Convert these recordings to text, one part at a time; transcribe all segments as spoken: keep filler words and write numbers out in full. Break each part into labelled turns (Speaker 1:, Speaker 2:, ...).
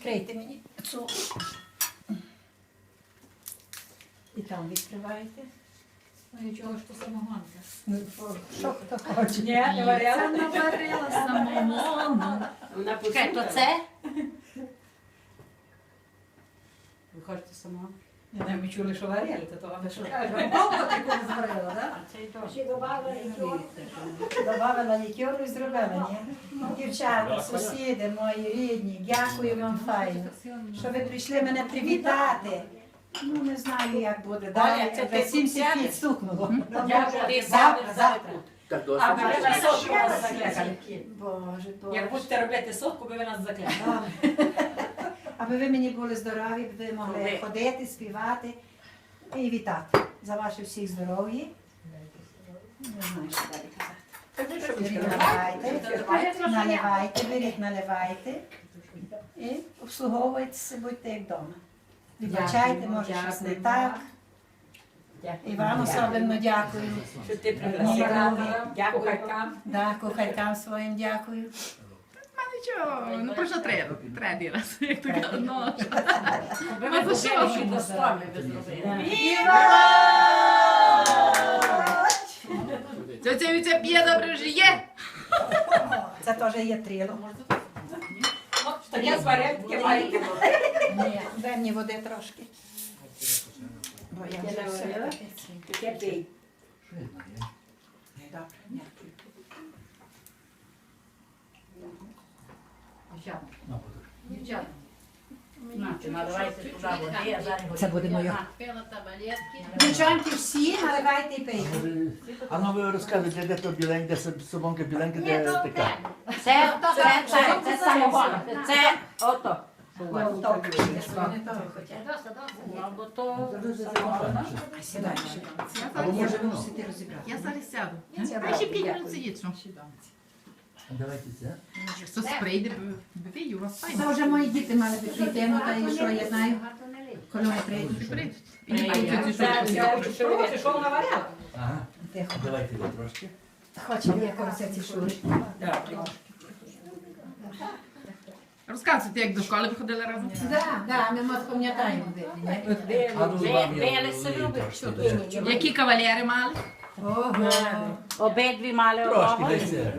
Speaker 1: відкрийте мені цю. І там відкриваєте.
Speaker 2: Ну і чого ж то самогонка?
Speaker 1: Ну, що хто хоче.
Speaker 2: Ні, не варіала.
Speaker 3: Це наварила самогону.
Speaker 2: Чекай, то це? Ви хочете самогон?
Speaker 3: Не знаю, ми чули, що варили, то того не шукаємо. Довго таку зварила, так?
Speaker 1: Ще додавала лікеру. Додавала лікеру і зробила, ні? Дівчата, сусіди мої рідні, дякую вам файно, що ви прийшли мене привітати. Ну, не знаю, як буде. Далі,
Speaker 2: це
Speaker 1: вже
Speaker 2: ти
Speaker 1: сімдесят
Speaker 2: тут
Speaker 1: п'ять стукнуло.
Speaker 2: Ти
Speaker 1: Завтра, завтра.
Speaker 4: Так
Speaker 2: А
Speaker 4: досить.
Speaker 2: ви вже на сотку вас закликали.
Speaker 1: Боже,
Speaker 2: Як
Speaker 1: Боже.
Speaker 2: будете робити сотку, би ви нас закликали.
Speaker 1: Аби ви мені були здорові, б ви могли
Speaker 2: Ви.
Speaker 1: ходити, співати і вітати за ваше всіх здоров'я. Не знаю, що далі казати. Беріть, наливайте, наливайте, беріть, наливайте і обслуговуйтеся, будьте як вдома. Вибачайте, може щось не так. І вам особливо дякую.
Speaker 2: Що ти
Speaker 1: Ні,
Speaker 2: пригласила. Дякую кухаркам.
Speaker 1: Да, кухаркам своїм дякую.
Speaker 3: Нічого, ну просто треба. Треба раз, як то кажуть. Ну,
Speaker 2: Ви мене купили ще до стоми, ви зробили.
Speaker 3: Ця Віця п'є добре вже є.
Speaker 1: Це теж є трило.
Speaker 2: Ну, таке зваряють, таке маєте.
Speaker 1: Ні, дай мені води трошки. Бо я вже
Speaker 2: Я
Speaker 1: все
Speaker 2: говорила.
Speaker 1: таке.
Speaker 2: Таке пий.
Speaker 1: Добре, дякую.
Speaker 2: Дівчата. Нате, наливайте туди води, а зараз
Speaker 1: Це буде моє.
Speaker 5: Пила таблетки.
Speaker 1: Дівчанки всі наливайте і пийте.
Speaker 4: А ну ви розказуєте, де то біленьке, де собонка біленька, де така.
Speaker 2: Це, це, це, це самогон. Це, ото.
Speaker 1: Вони того хотять.
Speaker 5: Доста, доста.
Speaker 2: Ну, бо то
Speaker 1: Сідай.
Speaker 4: Або може вино.
Speaker 1: Мусите розібрати.
Speaker 3: Я зараз сяду.
Speaker 1: Я
Speaker 3: А ще п'ять минут сидіть, що?
Speaker 4: Давайте це.
Speaker 3: Що сприйде, биві, у вас
Speaker 1: Це
Speaker 3: файно.
Speaker 1: вже мої діти мали би прийти, ну та і що я знаю, коли вони прийдуть.
Speaker 3: Прийдуть. І
Speaker 2: Це,
Speaker 3: не
Speaker 2: це,
Speaker 3: будуть
Speaker 2: що ви що вона варяла?
Speaker 4: Ага.
Speaker 1: Тихо.
Speaker 4: Давайте ви трошки.
Speaker 1: Хоче я коросеці шури.
Speaker 3: Розказуйте, як до школи ви ходили разом.
Speaker 1: Так, так, ми мат пам'ятаємо.
Speaker 4: А ну вам я
Speaker 2: Велеси любить.
Speaker 4: трошки.
Speaker 3: Які кавалери мали?
Speaker 1: Ого.
Speaker 2: Обидві мали
Speaker 4: Трошки
Speaker 2: одного.
Speaker 4: десь це.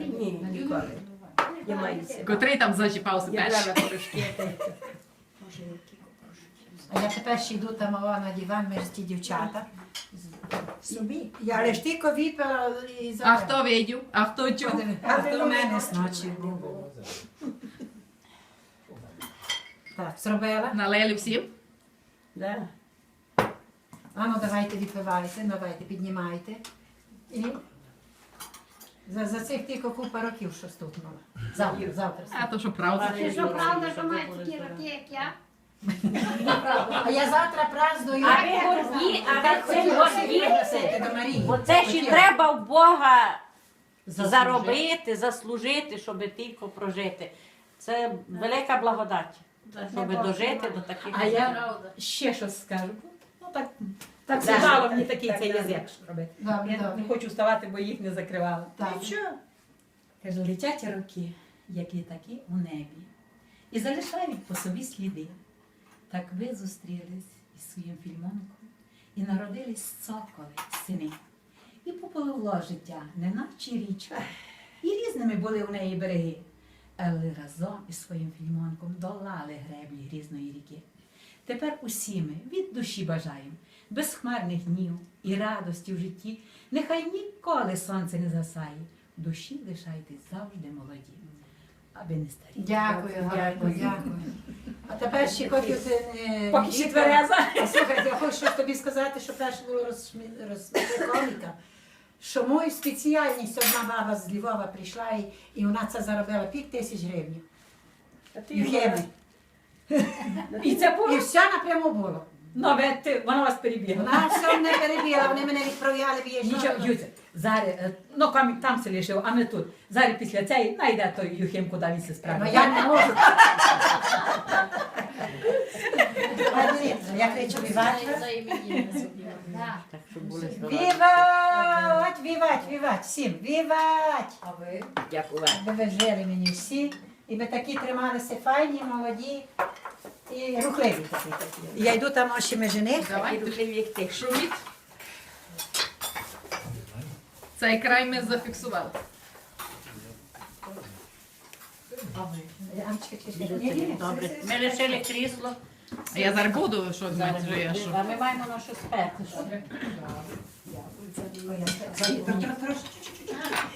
Speaker 3: Котрий там зачіпався перший?
Speaker 1: А я тепер ще йду там о, на диван, ми ж ті дівчата. Собі. Я але ж тільки випила і
Speaker 3: А
Speaker 1: забрала.
Speaker 3: хто видів? А хто чув?
Speaker 1: А хто в мене сночі був? Так, зробила?
Speaker 3: Налили всім?
Speaker 1: А ну давайте відпивайте, давайте, піднімайте. І за, за цих тільки купа років, що стукнуло. Завтра, завтра.
Speaker 3: А то що правда?
Speaker 5: Чи що правда, що маєте такі роки, як я?
Speaker 1: А я завтра праздную.
Speaker 2: А ви горді, а ви це горді.
Speaker 1: Пригласити до Марії.
Speaker 2: Бо це ще треба в Бога
Speaker 1: Заслужити.
Speaker 2: заробити, заслужити, щоб тільки прожити. Це велика благодать, щоб дожити до таких.
Speaker 6: А я
Speaker 5: Правда.
Speaker 6: ще щось скажу. Ну так, так
Speaker 2: Да.
Speaker 6: сказало мені такий цей язик робити.
Speaker 1: Добре,
Speaker 6: Я
Speaker 1: добре.
Speaker 6: не хочу вставати, бо їх не закривала.
Speaker 1: Так.
Speaker 6: Каже, летять роки, як літаки у небі, і залишають по собі сліди. Так ви зустрілись із своїм фільмонком, і народились цоколи, сини. І попливло життя, неначе річка. І різними були у неї береги. Але разом із своїм фільмонком долали греблі грізної ріки. Тепер усі ми від душі бажаємо безхмарних днів і радості в житті. Нехай ніколи сонце не засає. В душі лишайтесь завжди молоді, аби не старі.
Speaker 1: Дякую, дякую, дякую. А тепер ще хочу ти не...
Speaker 6: Поки ще твереза.
Speaker 1: Слухайте, я хочу щось тобі сказати, що перше було розшмі- розприколіка, що мою спеціальність одна баба з Львова прийшла і, і вона це заробила п'ять тисяч гривень. Юхеми.
Speaker 6: І це було?
Speaker 1: І все напряму було.
Speaker 6: Ну, ви- ти- вона вас перебігла.
Speaker 1: Вона все не перебіла, вони мене відправляли в її
Speaker 6: Нічого, Юця, зараз, е, ну там, там се лишив, а не тут. Зараз після цієї найде той Юхим, куди він се
Speaker 1: Ну
Speaker 6: справить.
Speaker 1: я не можу. А, дивіться, я кричу вівать.
Speaker 5: За іменинами зробила. Так.
Speaker 2: Так, щоб були здорові.
Speaker 1: Вівать, вівать, вівать, всім, вівать.
Speaker 2: Дякую.
Speaker 1: Аби ви жили мені всі, І ми такі трималися файні, молоді і рухливі такі. такі. Я йду там ось ще жених.
Speaker 3: Давай,
Speaker 2: Рухливі, як ти.
Speaker 3: шуміть. Цей край ми зафіксували.
Speaker 1: Амчика, чекай, чекай. Ні, ні, ні.
Speaker 2: Добре. Ми лишили крісло.
Speaker 3: А я зараз буду, що думаєте, що я що?
Speaker 2: А ми маємо на що сперти. що?
Speaker 1: Ой, я тр- тр- тр- трошки, чуть-чуть.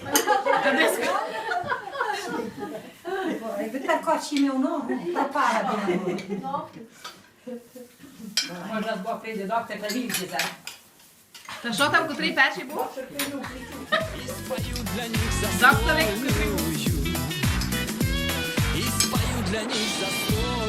Speaker 1: Ой, ви так очі в ногу, пропала біля ногу.
Speaker 2: Може, Бог прийде доктор та вільці зараз.
Speaker 3: Та що там, котрий перший був? Доктор,
Speaker 7: І спою для них за сто.